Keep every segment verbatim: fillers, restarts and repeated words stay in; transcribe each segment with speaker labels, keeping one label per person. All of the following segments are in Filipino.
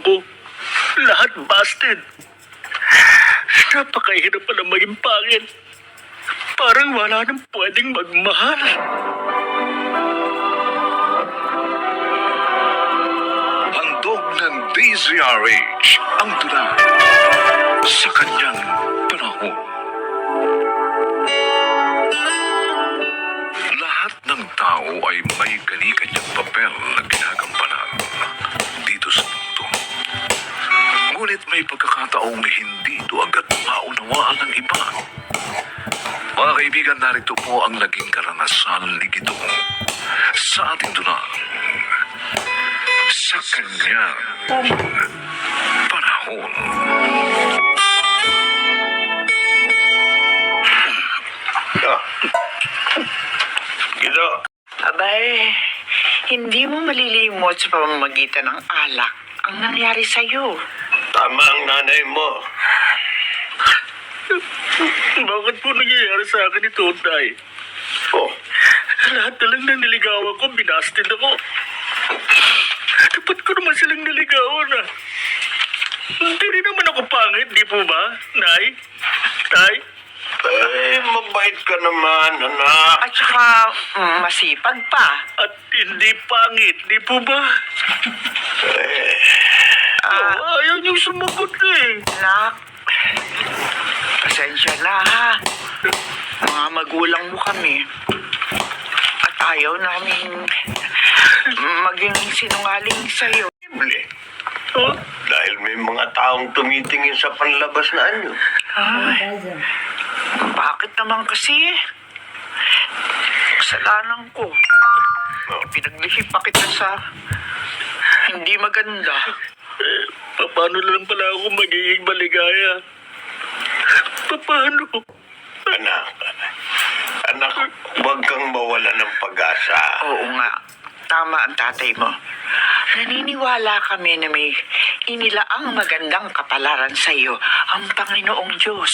Speaker 1: ko. Lahat busted. Napakahirap pala maging pangit. Parang wala nang pwedeng magmahal.
Speaker 2: Handog ng D Z R H ang tula sa kanyang panahon. Lahat ng tao ay may kani-kanyang papel na ginagampanan dito sa mundo. Ngunit may pagkakataong hindi ito agad maunawaan ng iba. Mga kaibigan, narito po ang naging karanasan ni Gidong sa ating dunang sa kanyang panahon.
Speaker 1: Gido.
Speaker 3: Abay, hindi mo malilimot sa pamamagitan ng alak ang nangyari sa'yo.
Speaker 1: Tama ang nanay mo. Bakit po nangyayari sa akin ito, Tay? Oh, lahat na lang ng niligawan ko, binasted ako. Dapat ko naman silang niligawan, ah. Hindi rin naman ako pangit, di po ba, Nay? Tay? Eh, mabait ka naman, anak.
Speaker 3: At saka, mm, masipag pa.
Speaker 1: At hindi pangit, di po ba? Eh,
Speaker 3: Ah,
Speaker 1: oh, ayaw niyong sumagot eh.
Speaker 3: Nak, pasensya na ha. Mga magulang mo kami. At ayaw namin maging sinungaling sa'yo.
Speaker 1: Simple. Oh, dahil may mga taong tumitingin sa panlabas na anyo.
Speaker 3: Ay, bakit naman kasi? Kasalanan ko. Pinaglihip pa kita sa hindi maganda.
Speaker 1: Eh, paano lang pala ako magiging maligaya? Paano? Anak, anak, huwag kang mawala ng pag-asa.
Speaker 3: Oo nga, tama ang tatay mo. Naniniwala kami na may inilaang magandang kapalaran sa iyo ang Panginoong Diyos.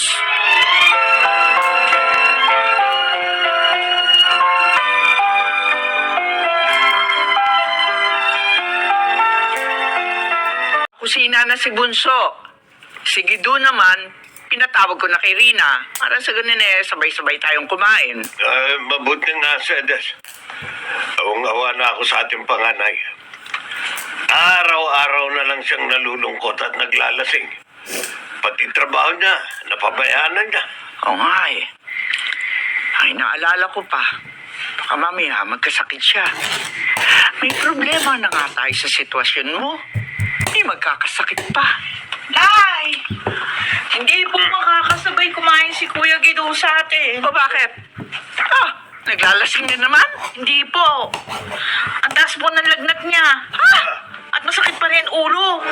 Speaker 3: Kusina na si Bunso. Si Gido naman, pinatawag ko na kay Rina. Para sa ganun eh, sabay-sabay tayong kumain.
Speaker 1: Ay, mabuti nga, Sedes. Awang-awa na ako sa ating panganay. Araw-araw na lang siyang nalulungkot at naglalasing. Pati trabaho niya, napabayaan na niya.
Speaker 3: Oo nga eh. Ay, naalala ko pa. Baka mamaya magkasakit siya. May problema na nga tayo sa sitwasyon mo. May magkakasakit pa.
Speaker 4: Nay! Hindi po makakasabay kumain si Kuya Gido sa atin.
Speaker 3: O bakit? Ah, naglalasing na naman?
Speaker 4: Hindi po. Ang taas po ng lagnat niya.
Speaker 3: Ha?
Speaker 4: At masakit pa rin ulo.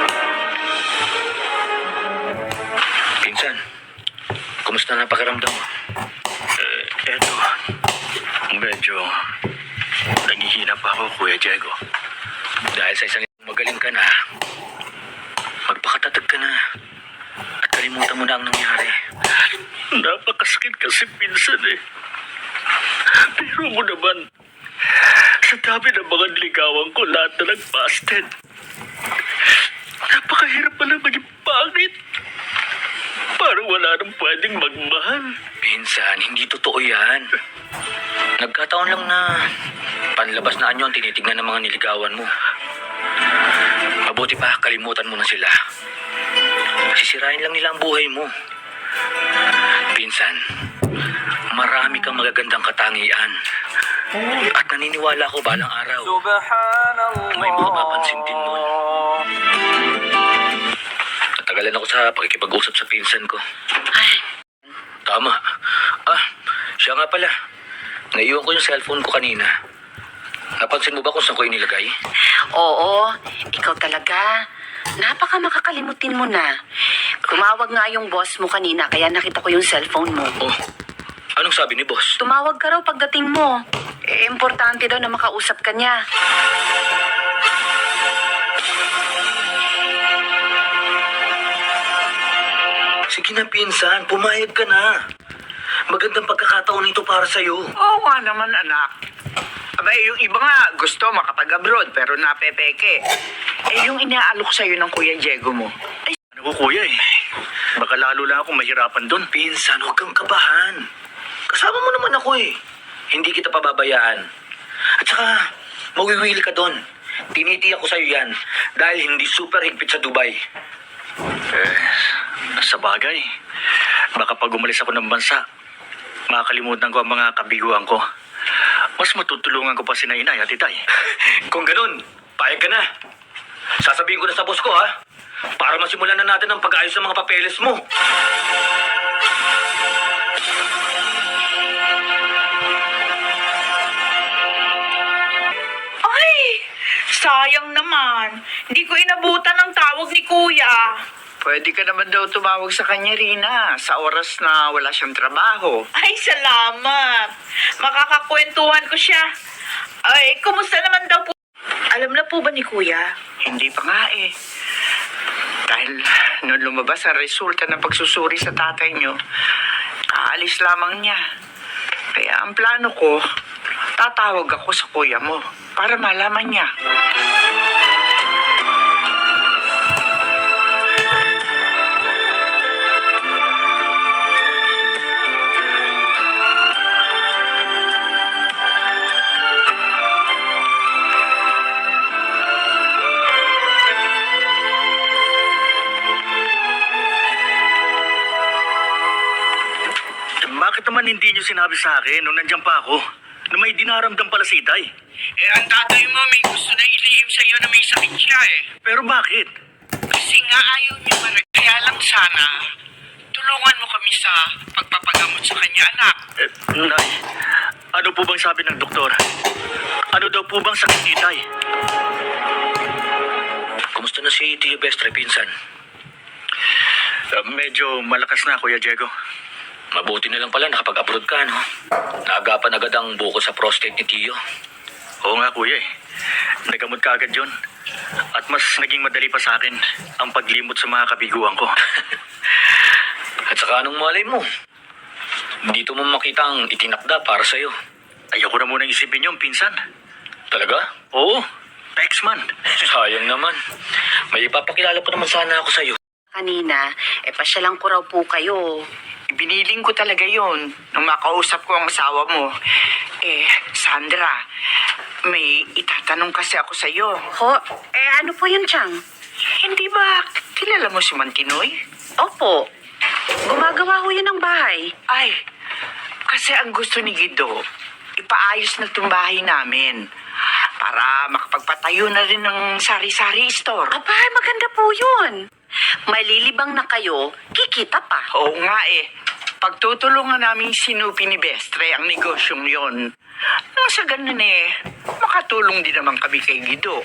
Speaker 5: Pinsan, kumusta na pakiramdam mo?
Speaker 1: Eh, eto, medyo naghihina pa ako, Kuya Diego.
Speaker 5: Dahil sa isang magaling ka na, magpakatatag ka na at kalimutan mo na ang nangyari.
Speaker 1: Napakasakit kasi pinsan eh. Pero mo naman, sa dami ng mga niligawan ko, lahat na nag-busted. Napakahirap pala maging pangit. Parang wala nang pwedeng magmahal.
Speaker 5: Pinsan, hindi totoo yan. Nagkataon lang na panlabas na anyo ang tinitignan ng mga niligawan mo. Mabuti pa, kalimutan mo na sila. Sisirain lang nila ang buhay mo. Pinsan, marami kang magagandang katangian. At naniniwala ko balang araw, may mapapansin din nun. Natagalan ako sa pakikipag-usap sa pinsan ko. Tama. Ah, siya nga pala. Naiwan ko yung cellphone ko kanina. Napansin mo ba kung saan ko inilagay?
Speaker 6: Oo, ikaw talaga. Napaka makakalimutin mo na. Tumawag nga yung boss mo kanina kaya nakita ko yung cellphone mo.
Speaker 5: Oh, anong sabi ni boss?
Speaker 6: Tumawag ka raw pagdating mo. Eh, importante daw na makausap ka niya.
Speaker 5: Sige na, pinsan. Pumayag ka na. Magandang pagkakataon ito para sa'yo.
Speaker 3: Oo nga naman, anak. Aba, eh, yung iba nga gusto makapag-abroad pero napepeke. Eh, yung inaalok sa'yo ng Kuya Diego mo, ay,
Speaker 1: Ano ko kuya eh. Baka lalo lang ako mahirapan doon.
Speaker 5: Pinsan, huwag kang kabahan. Kasama mo naman ako eh. Hindi kita pababayaan. At saka, mawiwili ka doon. Tinitiyak ko sa'yo yan dahil hindi super higpit sa Dubai.
Speaker 1: Eh, sa bagay. Baka pag umalis ako ng bansa, makakalimutan ko ang mga kabiguan ko. Mas matutulungan ko pa si Inay at Itay.
Speaker 5: Kung ganun, payag ka na. Sasabihin ko na sa boss ko ha. Para masimulan na natin ang pag-ayos ng mga papeles mo.
Speaker 4: Ay, sayang naman. Hindi ko inabutan ang tawag ni Kuya.
Speaker 3: pwede ka naman daw tumawag sa kanya, Rina, sa oras na wala siyang trabaho.
Speaker 4: Ay, salamat. Makakakwentuhan ko siya. Ay, kumusta naman daw po? Alam na po ba ni Kuya?
Speaker 3: Hindi pa nga eh. Dahil nung lumabas ang resulta ng pagsusuri sa tatay niyo, aalis lamang niya. Kaya ang plano ko, tatawag ako sa kuya mo para malaman niya.
Speaker 1: Bakit naman hindi niyo sinabi sa akin nung nandiyan pa ako na may dinaramdam pala si Itay?
Speaker 3: Eh, ang tatay mo may gusto na ilihim sa'yo na may sakit siya eh.
Speaker 1: Pero bakit?
Speaker 3: Kasi nga ayaw niyo marag. Kaya lang sana, tulungan mo kami sa pagpapagamot sa kanya, anak.
Speaker 1: Eh, Nay, ano po bang sabi ng doktor? Ano daw po bang sakit ni Itay?
Speaker 5: Kumusta na si Tio Bestre, pinsan?
Speaker 1: Uh, medyo malakas na, Kuya Diego.
Speaker 5: Mabuti na lang pala nakapag-abroad ka, no? Naagapan agad ang buko sa prostate ni Tio.
Speaker 1: Oo nga, Kuya eh. Nagamot ka agad yun. At mas naging madali pa sa akin ang paglimot sa mga kabiguan ko.
Speaker 5: At saka anong malay mo? Dito mo makita ang itinakda para sa'yo.
Speaker 1: Ayoko na munang isipin yung pinsan.
Speaker 5: Talaga?
Speaker 1: Oo, Pexman.
Speaker 5: Sayang naman. May ipapakilala ko naman sana ako sa'yo.
Speaker 6: Kanina, eh pasyalan ko raw po kayo.
Speaker 3: Biniling ko talaga yon nung makausap ko ang asawa mo. Eh, Sandra, may itatanong kasi ako sa'yo.
Speaker 6: Ho, eh ano po yun, Chang?
Speaker 3: Hindi ba kilala mo si Mantinoy?
Speaker 6: Opo, gumagawa ho yun ng bahay.
Speaker 3: Ay, kasi ang gusto ni Guido, ipaayos na itong bahay namin para makapagpatayo na rin ng sari-sari store.
Speaker 6: Aba, maganda po yun. Malilibang na kayo, kikita pa.
Speaker 3: Oo nga eh. Pagtutulungan namin si Nupi ni Bestre ang negosyong yon. Nang sa ganun eh, makatulong din naman kami kay Guido.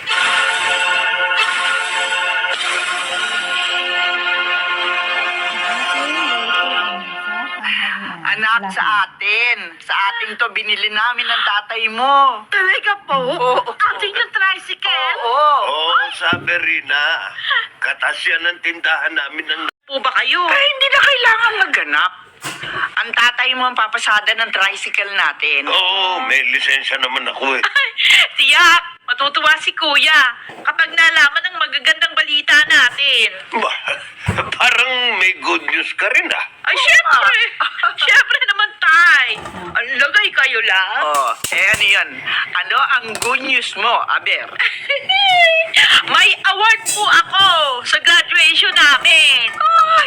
Speaker 3: Anak sa atin. Sa ating to binili namin ng tatay mo.
Speaker 4: Talaga po?
Speaker 3: Oo.
Speaker 4: Ating yung tricycle?
Speaker 3: Oo.
Speaker 7: Oo, sabi Rina. Katasyan ng tindahan namin ng...
Speaker 4: Po ba kayo?
Speaker 3: Ay, hindi na kailangan magganap. Ang tatay mo ang papasada ng tricycle natin.
Speaker 7: Oo, may lisensya naman ako eh.
Speaker 4: Tiyak, matutuwa si Kuya kapag nalaman ang magagandang balita natin.
Speaker 7: Ba, parang may good news ka rin ah.
Speaker 4: Ay, syempre! Syempre naman, Tay! Ang lagay kayo lang.
Speaker 3: Oh, eh ano yan? Ano ang good news mo, Aber?
Speaker 4: May award po ako sa graduation namin. Ay!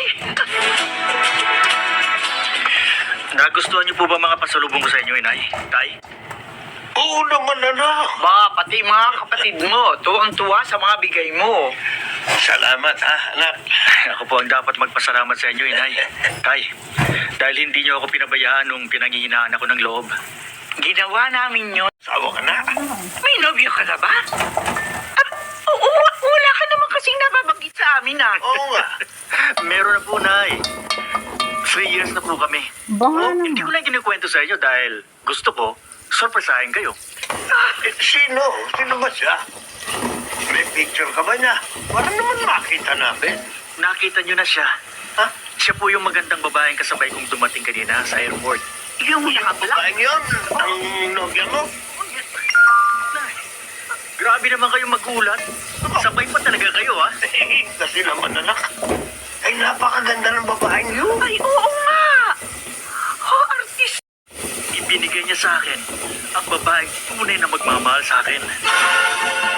Speaker 1: Nagustuhan niyo po ba mga pasalubong ko sa inyo, Inay? Tay?
Speaker 7: Oo naman anak.
Speaker 3: Ba, pati mga kapatid mo, tuwang-tuwa sa mga bigay mo.
Speaker 7: Salamat ha, anak.
Speaker 1: Ako po ang dapat magpasalamat sa inyo, Inay. Tay, dahil hindi niyo ako pinabayaan nung pinanghihinaan ako ng loob.
Speaker 3: Ginawa namin yun.
Speaker 7: Sawa ka na.
Speaker 3: May nobyo ka na ba? Ah, oo, wala ka naman kasing nababanggit sa amin ah.
Speaker 7: Oo nga.
Speaker 1: Meron na po, Nay. Three years na po kami. Oh, hindi ko lang kinikwento sa inyo dahil gusto ko, surpresahin kayo.
Speaker 7: Eh, sino? Sino ba siya? May picture ka ba niya? Para naman makita namin.
Speaker 1: Nakita niyo na siya.
Speaker 7: Ha?
Speaker 1: Siya po yung magandang babaeng kasabay kong dumating kanina sa airport.
Speaker 3: Yung nakabla.
Speaker 7: Babaeng yun? Ang nobya mo?
Speaker 1: Grabe naman kayo magulat. Sabay pa talaga kayo, ha?
Speaker 7: Eh, kasi naman anak, ay napakaganda ng babaeng yun.
Speaker 4: Ay, oo nga. Oh, artist.
Speaker 1: Ibinigay niya sa akin ang babaeng tunay na magmamahal sa akin.